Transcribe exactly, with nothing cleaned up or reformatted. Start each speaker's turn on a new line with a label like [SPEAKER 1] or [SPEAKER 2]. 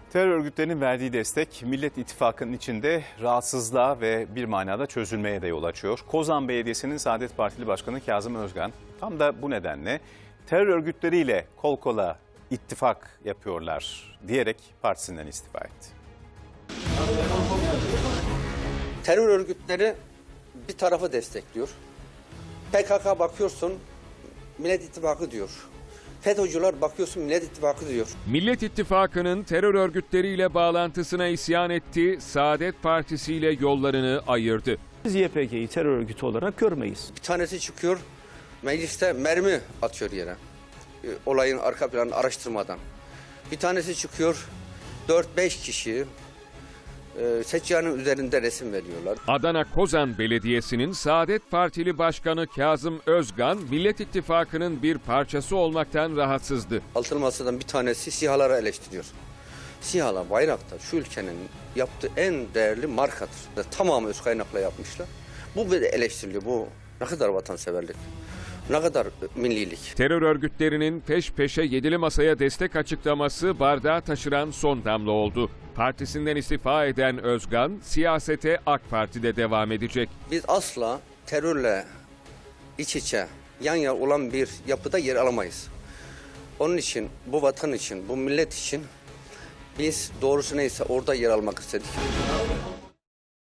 [SPEAKER 1] Terör örgütlerinin verdiği destek Millet İttifakı'nın içinde rahatsızlığa ve bir manada çözülmeye de yol açıyor. Kozan Belediyesi'nin Saadet Partili Başkanı Kazım Özgan tam da bu nedenle terör örgütleriyle kol kola ittifak yapıyorlar diyerek partisinden istifa etti.
[SPEAKER 2] Terör örgütleri bir tarafı destekliyor. P K K bakıyorsun Millet İttifakı diyor. FETÖ'cüler bakıyorsun Millet İttifakı diyor.
[SPEAKER 3] Millet İttifakı'nın terör örgütleriyle bağlantısına isyan etti, Saadet Partisi ile yollarını ayırdı.
[SPEAKER 4] Biz Y P G'yi terör örgütü olarak görmeyiz.
[SPEAKER 2] Bir tanesi çıkıyor mecliste mermi atıyor yere. E, Olayın arka planını araştırmadan. Bir tanesi çıkıyor dört beş kişi e, seccanenin üzerinde resim veriyorlar.
[SPEAKER 3] Adana Kozan Belediyesi'nin Saadet Partili Başkanı Kazım Özgan, Millet İttifakı'nın bir parçası olmaktan rahatsızdı.
[SPEAKER 2] Altılı Masa'dan bir tanesi SİHA'ları eleştiriyor. SİHA'lar, Bayraktar şu ülkenin yaptığı en değerli markadır. Tamamı öz kaynakla yapmışlar. Bu bir eleştiriliyor. Bu ne kadar vatanseverlik, ne kadar millilik.
[SPEAKER 3] Terör örgütlerinin peş peşe yedili masaya destek açıklaması bardağı taşıran son damla oldu. Partisinden istifa eden Özgan, siyasete AK Parti'de devam edecek.
[SPEAKER 2] Biz asla terörle iç içe, yan yana olan bir yapıda yer alamayız. Onun için, bu vatan için, bu millet için biz doğrusu neyse orada yer almak istedik.